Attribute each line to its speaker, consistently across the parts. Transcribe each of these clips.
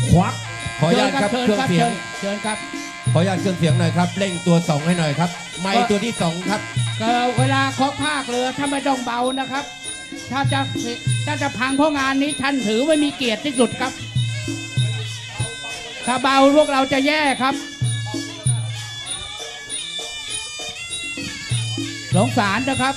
Speaker 1: ควักขออนุญาตครับเครื่องเสียง
Speaker 2: เชิญครับ
Speaker 1: ขออนุญาตเครื่องเสียงหน่อยครับเร่งตัว2ให้หน่อยครับไมค์ตัวที่2ครับ
Speaker 2: เวลาเคาะภาคเรือถ้าไม่ต้องเบานะครับถ้าจะพังเพราะงานนี้ท่านถือไม่มีเกียรติที่สุดครับถ้าเบาพวกเราจะแย่ครับสงสารนะครับ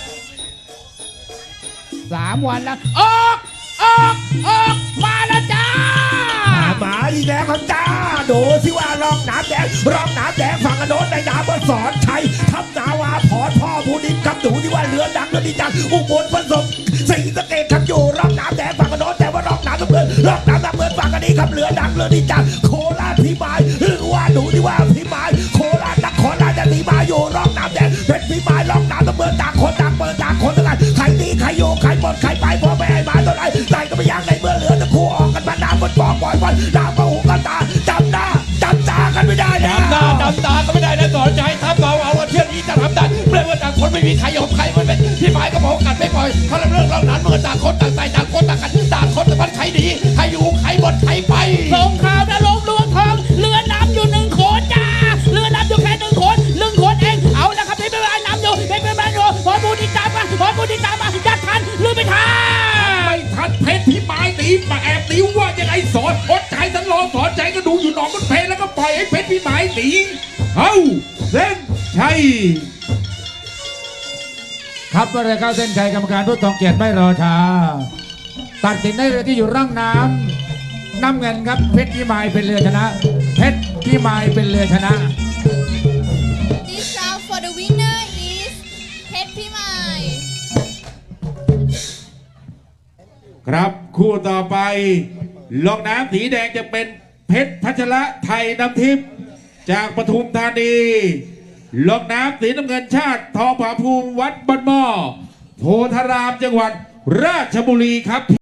Speaker 2: 3 วันแล้วออกมาแล้วจ้า
Speaker 3: มาอีกแล้วครับจ้าดูสิว่าร่องน้ำแดงฝั่งโน้นในน้ำบนสอนชัยทับนาวาพรพ่อบูดิมครับดูที่ว่าเรือดังเรือดีจังอุบลผสมศรีสะเกษครับอยู่ร่องน้ำแดงฝั่งโน้นแต่ว่าร่องน้ำน้ำเงินฝั่งอันนี้ครับเรือดังเรือดีจังโคราชพิมายหรือว่าดูที่ว่าพิมายโคราชนครราชสีมาอยู่ร่องน้ำแดงเป็นพิมายร่องน้ำน้ำเงินต่างคนต่างเปิดต่างคนต่างใครดีใครอยู่ใครหมดใครไปพ่อแม่มาตัวไหนใส่ก็ไม่อยากในเมื่อเรือตะคู่ออกกันมาน้ำบนบ่อปล่อยบอลน้ำมาหูกันตาจำตากันไม่ได้นะ
Speaker 4: จำตาก็ไม่ได้นะสอนใจทับเอาว่าเที่ยวนี้จะทำได้เมื่อต่างคนไม่มีใครยอมใครมันเป็นที่หมายก็บอกกันไม่ปล่อยเขาเรื่องเล่านั้นเมื่อต่างคนต่างใจต่างคนต่างกันต่างคนแต่มันใครดีใครอยู่ใครหมดใครไป
Speaker 2: สงครามนรกลวงทองเรือน้ำอยู่1 คนจ้าเรือน้ำอยู่แค่1 คนเองเอาละครับพี่เป็นน้ำอยู่เป็นอยู่พอบูดีตามมายัดทันลืมไม่ทัน
Speaker 4: ไม่ทันเพชรพิมายตีมาแอบตีว่ายังไงสอนอดใจฉันรอสอนใจก็ดูอยู่หนองมันเพลแล้วก็ปล่อยให้เพชรพิมายตีเอาเส้นชัย
Speaker 5: ครับเมื่อไรเข้าเส้นชัยกรรมการผู้ทรงเกียรติไม่รอช้าตัดสินได้เลยที่อยู่ร่องน้ำเงินครับเพชรพิมายเป็นเรือชนะเพชรพิมายเป็นเรือชนะ
Speaker 6: This round for the winner is เพชรพิมาย
Speaker 4: ครับคู่ต่อไปลงน้ำสีแดงจะเป็นเพชรพัชระไทยน้ำทิพย์จากปทุมธานีลงน้ำสีน้ำเงินชาติทองผาภูมิวัดบ้านหม้อโพธารามจังหวัดราชบุรีครับ